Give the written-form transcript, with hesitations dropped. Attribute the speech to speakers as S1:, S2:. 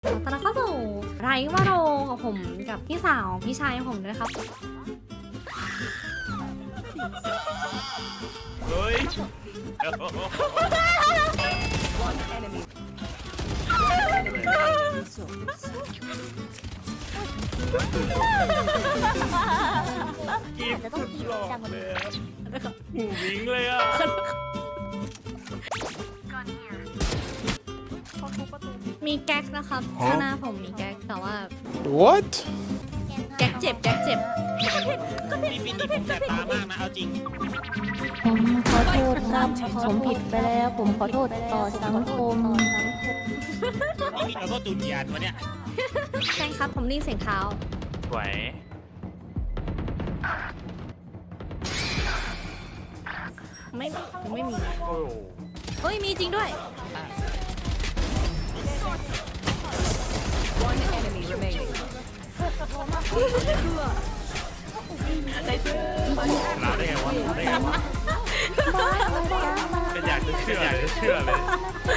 S1: ตอนนั้นเข้าสู่ไรว่าโรกับผมกับพี่สาวพี่ชายผมด้วยครับ
S2: เฮ้ย กีบสุดหล่อเลยอะหูวิงเลยอ่ะ
S1: มีแก๊กนะครับข้างหน้าผมมีแก๊กแต่ว่า
S3: What?
S1: แก๊กเจ็บแก๊กเจ็บ
S2: นี่ปีนี้ผมแสบตามากนะ เอาจริง
S4: ผมขอโทษครับผมผิดไปแล้ว ผมขอโทษต่อสังคม
S2: นี่เราก็ตุนยานวะเนี่ย
S1: แก๊งครับผมได้ยินเสียงเท้า
S2: ไหว
S1: ไม่มี
S2: โอ้โห
S1: เฮ้ยมีจริงด้วย
S2: ลาได้ไงวะได้ไงวะเป็นอยากจะเชื่อเลย